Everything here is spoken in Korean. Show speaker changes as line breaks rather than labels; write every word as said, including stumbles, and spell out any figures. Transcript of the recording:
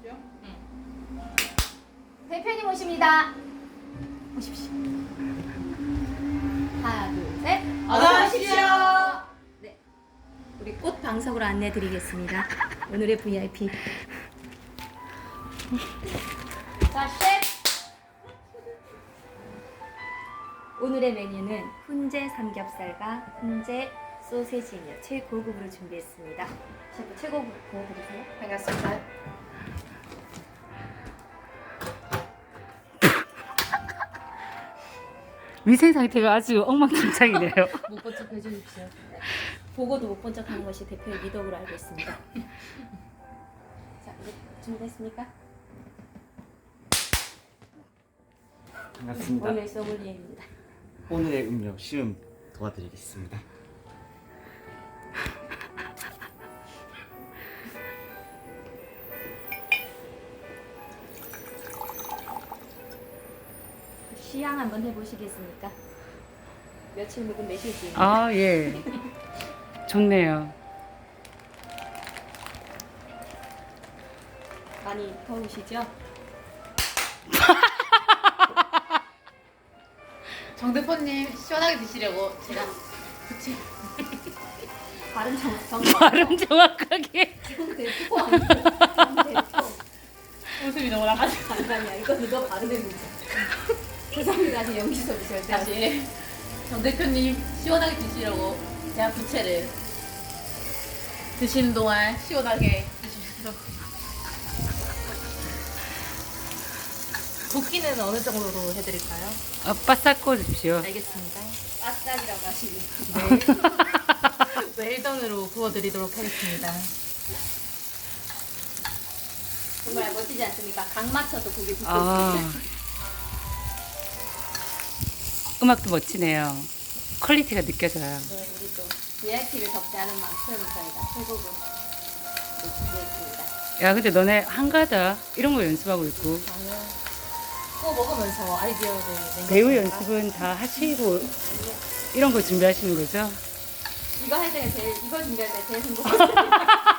대표님 오십니다. 오십시오. 하나, 둘, 셋.
어서 오십시오.
네, 우리 꽃 방석으로 안내드리겠습니다. 오늘의 브이아이피. 자, 셰프. 오늘의 메뉴는 훈제 삼겹살과 훈제 소세지며 최고급으로 준비했습니다. 셰프 최고급 보여드리세요.
반갑습니다.
위생 상태가 아주 엉망진창이네요.
못 본 척 해주십시오. 보고도 못 본 척하는 것이 대표의 미덕으로 알고 있습니다. 자, 이제 준비됐습니까?
반갑습니다.
오늘 소믈리에입니다.
오늘의 음료 시음 도와드리겠습니다.
시향 한번 해보시겠습니까? 며칠 묵은 매실주.
아, 예. 좋네요.
많이 더우시죠?
정 대표님 시원하게 드시려고 제가 그치?
발음 정, 정,
발음 정확하게.
정 대표 아니에요? 정 대표.
웃음이 너무 나가지고
아니, 아니야. 이거 누가 발음의 문제. 죄송합니다. 다시 연기소 주세요.
다시 정 대표님 시원하게 드시려고 제가 부채를 드시는 동안 시원하게 드시면서 붓기는 어느 정도로 해드릴까요?
아, 바싹 구워주십시오.
알겠습니다.
바싹이라고 하시니.
네. 웰던으로 구워드리도록 하겠습니다.
정말 멋지지 않습니까? 각 맞춰서 고기 굽고
아,
있습니다.
음악도 멋지네요. 퀄리티가 느껴져요.
네, 우리 또 브이아이피를 접대하는 만큼 저희가 최고급 준비했습니다.
야, 근데 너네 한가다 이런 거 연습하고 있고
저는 구워 먹으면서 아이디어를 낸
배우
것입니다.
연습은 다 하시고 이런 거 준비하시는 거죠?
이거 할 때 제일 이거 준비할 때 제일 행복했어요.